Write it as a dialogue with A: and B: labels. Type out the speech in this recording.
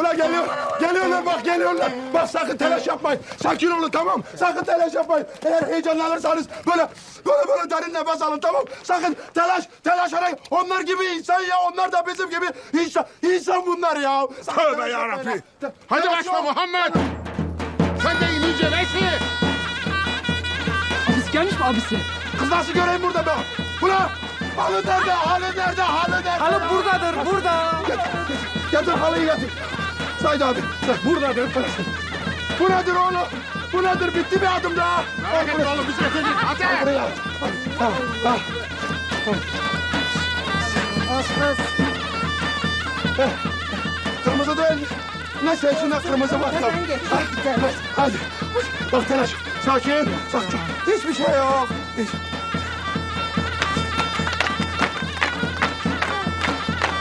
A: Vallahi geliyor. Geliyorlar bak geliyorlar. Bak sakın telaş yapmayın. Sakin olun tamam. Sakın telaş yapmayın. Eğer heyecanlanırsanız böyle derin nefes alın tamam. Sakın telaş arayın. Onlar gibi insan ya. Onlar da bizim gibi insan bunlar ya.
B: Tövbe yarabbim. Hadi başla Muhammed. Sen de inince neyse.
C: Abisi gelmiş mi abisi?
A: Kız nasıl göreyim burada be? Ulan halı nerede? Halı nerede? Halı nerede?
C: Halı buradadır, burada.
A: Getir halıyı getir. Said abi. Buradadır. Bu nedir oğlum? Bu nedir? Bitti bir adım daha.
B: Merak etme oğlum biz getirdik. Hadi.
A: Buraya. Tamam. Kırmızı değil. Neyse şuna kırmızı var. Tamam. Hadi. Bak telaş. Sakin. Sakin. Hiçbir şey yok.